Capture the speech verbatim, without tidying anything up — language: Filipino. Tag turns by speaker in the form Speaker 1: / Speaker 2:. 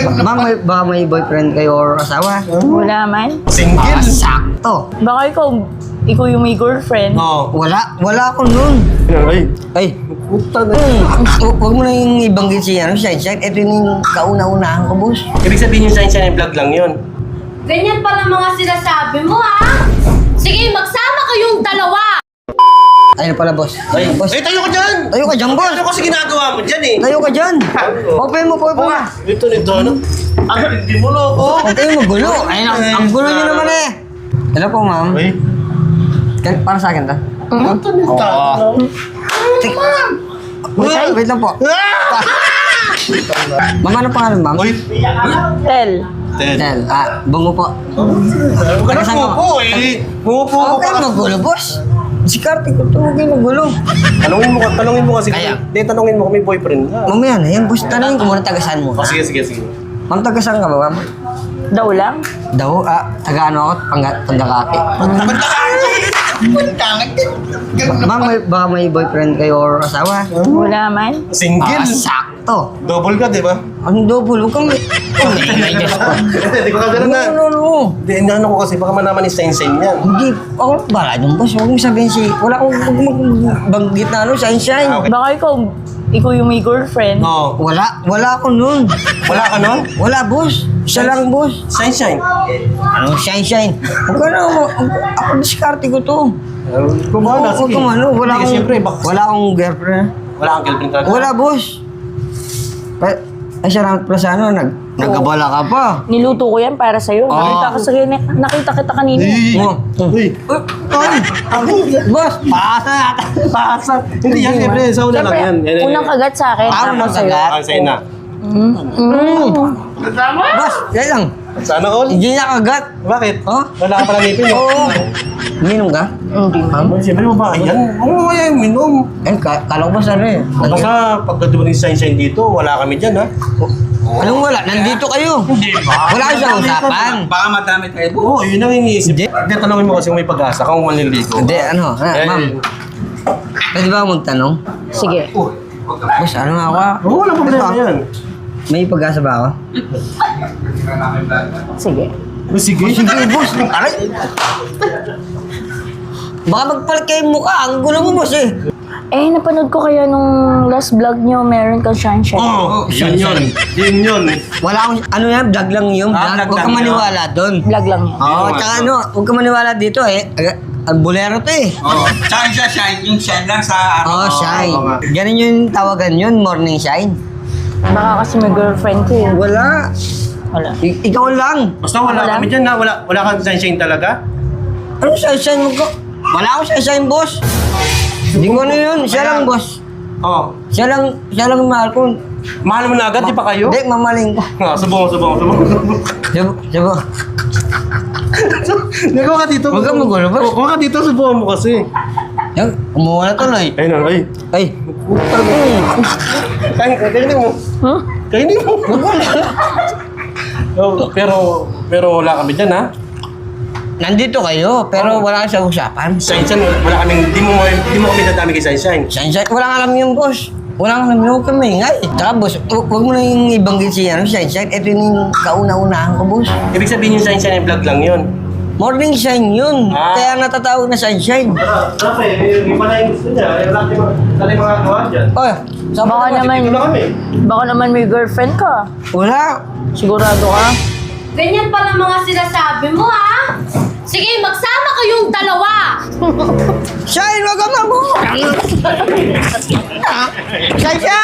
Speaker 1: Ma'am, may, baka may boyfriend kayo or asawa?
Speaker 2: Wala man.
Speaker 3: Single?
Speaker 1: Ah, sakto.
Speaker 2: Baka ikaw, ikaw yung may girlfriend.
Speaker 3: Oo.
Speaker 1: Wala, wala ako nun.
Speaker 3: Ay,
Speaker 1: Ay,
Speaker 3: puta na.
Speaker 1: hu- huwag mo na yung ibanggit si ano, Shine Shine. Ito yung kauna-unahan ko, boss.
Speaker 3: Ibig sabihin yung sunshine vlog lang yun.
Speaker 4: Ganyan pala mga sinasabi mo, ha? Sige, magsama kayong dalawa!
Speaker 1: Ayun pala, boss.
Speaker 3: Ay,
Speaker 1: boss.
Speaker 3: ay tayo ka dyan!
Speaker 1: Tayo ka dyan, boss.
Speaker 3: Ano kasi ginagawa mo dyan eh?
Speaker 1: Tayo ka dyan. Open mo, open mo.
Speaker 3: Ito nito, ano? Ang hindi mo loko.
Speaker 1: Huwag kayong magulo. Ayun, ang, ang gulo nyo naman eh. Hello po, ma'am.
Speaker 3: Ay,
Speaker 1: Kan- Para sa akin, ta?
Speaker 3: ito nito.
Speaker 1: Tik- Wait, wait lang po. Ma'am, ano pangalan, ma'am?
Speaker 3: Uy,
Speaker 2: Tel.
Speaker 3: Ted.
Speaker 1: Tel. Ah, bungo po.
Speaker 3: Huwag ka na
Speaker 1: Taga saan ka,
Speaker 3: pupo eh. Pupo
Speaker 1: Huwag
Speaker 3: ka.
Speaker 1: kayong magulo, boss. Si Kartik, huwag kayong magulo.
Speaker 3: Tanungin mo, tanungin mo kasi.
Speaker 1: Kaya.
Speaker 3: Hindi, tanungin mo kung may boyfriend ka.
Speaker 1: Mamaya na yan, boss. Tanungin ko muna tagasaan mo.
Speaker 3: Oh, sige, sige, sige.
Speaker 1: Ma'am, tagasaan ka ba, ma'am?
Speaker 2: Daw lang.
Speaker 1: Daw, ah, taga ano ako, pangga, panggakaki. Ma'am, may, baka may boyfriend kayo or asawa?
Speaker 2: Wala man.
Speaker 3: Single?
Speaker 1: Ah, sakto.
Speaker 3: Double ka, di ba?
Speaker 1: Ang double, huwag kang may... Oh, may Diyos ko.
Speaker 3: Hindi ko kagano na.
Speaker 1: No, no, no.
Speaker 3: Hindi, ano ko kasi, baka manaman ni Sain-Sain yan.
Speaker 1: Hindi, ako bala yung boss. Huwag mo sabihin si... Wala akong huwag mo magbanggit na ano, shine shine.
Speaker 3: Ah, okay.
Speaker 2: Baka ikaw, ikaw yung may girlfriend.
Speaker 3: Oo.
Speaker 1: Wala, wala ako nun.
Speaker 3: Wala ka nun?
Speaker 1: Wala, boss. Siya lang, boss.
Speaker 3: Sain-Sain?
Speaker 1: Ano, shine shine. Huwag ka na, huwag- ako diskarte ko to.
Speaker 3: Kung bahala,
Speaker 1: Huwag
Speaker 3: sige.
Speaker 1: kang ano, wala
Speaker 3: Hindi,
Speaker 1: akong...
Speaker 3: siyempre, bak-
Speaker 1: Wala akong girlfriend.
Speaker 3: Wala kang girlfriend talaga?
Speaker 1: Wala, boss. Pa, ay, siya lang pala sa ano, nag, nagkabala ka pa.
Speaker 2: Niluto ko yan para sa'yo.
Speaker 1: Ah.
Speaker 2: Nakita, ka sa, nakita kita kanina.
Speaker 1: Oh.
Speaker 3: Uy!
Speaker 1: Ay, boss, paasa yata.
Speaker 3: Paasa! Hindi yan, siyempre, sa una lang yan.
Speaker 2: Siyempre,
Speaker 3: Yan, yan,
Speaker 2: unang
Speaker 3: yan.
Speaker 2: kagat sa akin.
Speaker 1: Ah,
Speaker 2: tapos
Speaker 1: unang
Speaker 2: sa'yo.
Speaker 1: kagat.
Speaker 3: Ah, sa'yo na.
Speaker 2: Mm. Mm.
Speaker 1: Boss, yan lang.
Speaker 3: Sana all?
Speaker 1: Hindi na kagat.
Speaker 3: Bakit?
Speaker 1: Oh?
Speaker 3: Wala ka pala ngipin, no?
Speaker 1: Oo. Minum ka?
Speaker 2: Hindi.
Speaker 1: Ma'am?
Speaker 3: Ay, siyempre mo ba? Yan. Oo, ay, minom.
Speaker 1: Eh, ka kala ko ba sana eh.
Speaker 3: Basta pag dumating si Sain-Sain dito, wala kami dyan, ha?
Speaker 1: Anong wala? Nandito kayo.
Speaker 3: Hindi ba?
Speaker 1: Wala kayo sa usapan.
Speaker 5: Baka madami tayo.
Speaker 3: Oo, yun ang iniisip.
Speaker 1: Hindi.
Speaker 3: Hindi, tanongin mo kasi kung may pag-asa kung manliligo.
Speaker 1: Hindi, ano, ha,
Speaker 3: Eh,
Speaker 1: ma'am. Pwede ba ako magtanong?
Speaker 2: Sige.
Speaker 1: Boss, ano nga ako? ah?
Speaker 3: Oo, wala problema
Speaker 1: Ito,
Speaker 3: yan.
Speaker 1: May pag-asa ba ako?
Speaker 2: Sige.
Speaker 3: Oh, sige.
Speaker 1: Sige, boss. Aray. Baka magpalit kayo mukha. Ang gulo mo, boss eh.
Speaker 2: Eh, napanood ko kaya nung last vlog nyo, meron kang sunshine.
Speaker 3: Oo, yun yun. Yun yun.
Speaker 1: Wala akong, ano yan, vlog lang yung
Speaker 5: Ah,
Speaker 1: vlog.
Speaker 5: vlog
Speaker 1: Huwag
Speaker 5: lang
Speaker 1: kang
Speaker 5: yun.
Speaker 1: maniwala doon.
Speaker 2: Vlog lang yan.
Speaker 1: Oo, tsaka ano, huwag kang maniwala dito eh. Aga- Ang bolero to eh.
Speaker 5: Oo. Tsaka siya shine, yung shine lang sa
Speaker 1: Oo,
Speaker 5: ano.
Speaker 1: shine.
Speaker 3: oo nga.
Speaker 1: Ganun yung tawagan yun, morning shine.
Speaker 2: Baka kasi may girlfriend ko eh.
Speaker 1: Wala.
Speaker 2: Wala.
Speaker 1: I- ikaw lang.
Speaker 3: Basta wala
Speaker 2: Wala?
Speaker 3: kami dyan, ha? Wala, wala kang Sain-Sain talaga?
Speaker 1: Ano shine shine mo ko? Wala akong shine shine, boss. Hindi ko ano yun. Siya lang, boss.
Speaker 3: Oo.
Speaker 1: Siya lang, siya lang mahal ko.
Speaker 3: Mahal mo na agad, di pa kayo?
Speaker 1: Hindi, mamaling ko.
Speaker 3: Ah, subong, subong, subong.
Speaker 1: Sabo, sabo.
Speaker 3: Hindi ko ka dito.
Speaker 1: Huwag kang magulo, boss.
Speaker 3: Huwag ka dito, subukan mo kasi.
Speaker 1: Yan, kumuha na tuloy.
Speaker 3: Ayun na, ay.
Speaker 1: Ay,
Speaker 3: Kain, kainin mo.
Speaker 2: Huh?
Speaker 3: Kainin mo. Oh, pero, pero wala kami dyan, ha?
Speaker 1: nandito kayo, pero wala kayo sa usapan.
Speaker 3: Sain-Sain, wala kaming, di mo, di mo kami dadami kay Sain-Sain.
Speaker 1: Shine shine, walang alam yung boss. Walang alam yung huwag kang maingay. Tsaka boss, hu- huwag mo na yung ibanggit si ano, shine shine. Ito yung kauna-unahan ko, boss.
Speaker 3: Ibig sabihin yung Sain-Sain ay vlog lang yun.
Speaker 1: Morning shine yun.
Speaker 3: Ah.
Speaker 1: Kaya natatawag na shine shine.
Speaker 3: Grabe, yung pala yung gusto niya. Yung lahat yung mga gawa dyan.
Speaker 1: Oh, sa
Speaker 2: Baka naman,
Speaker 3: Dito na kami.
Speaker 2: baka naman may girlfriend ka.
Speaker 1: wala.
Speaker 2: Sigurado ka?
Speaker 4: Ganyan pala mga sinasabi mo, ha? Sige, magsama kayong dalawa!
Speaker 1: Shine, wag ka mamu! Shine shine!